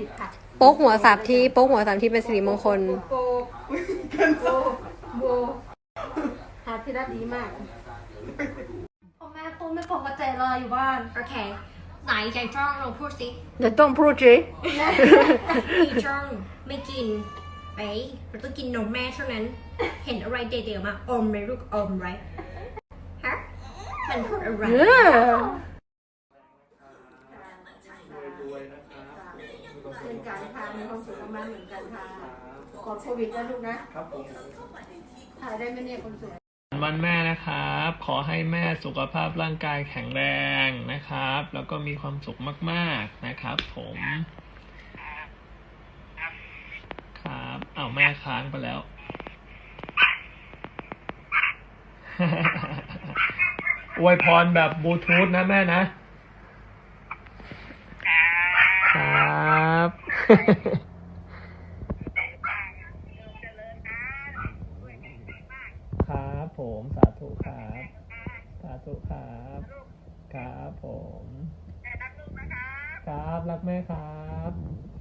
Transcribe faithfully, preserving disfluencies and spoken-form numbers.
ค่ะโป๊กหัวสามทีโป๊กหัวสามทีเป็นสิริมงคลโบโบโบหาที่ได้ดีมากพ่อแม่พูดไม่ปกติเลยอยู่บ้านโอเคไหนใจจ้องเราพูดสิเดี๋ยวต้องพูดสิมีจ้องไม่กินเอ้ยเราต้องกินนมแม่เท่านั้นเห็นอะไรเด็กๆมาอมไหมลูกอมไรฮะมันพูดอะไรเป็นการทานมีความสุขมากเหมือนกันค่ะกดโควิดนะลูกนะครับผมถ่ายได้ไหมเนี่ยคนสวยวันแม่นะครับ ขอให้แม่สุขภาพร่างกายแข็งแรงนะครับ แล้วก็มีความสุขมากๆนะครับผมครับอ้าวแม่ค้างไปแล้ว อวยพรแบบบลูทูธนะแม่นะครับ ครับผมสาธุครับสาธุครับครับผมครับรักแม่ครับ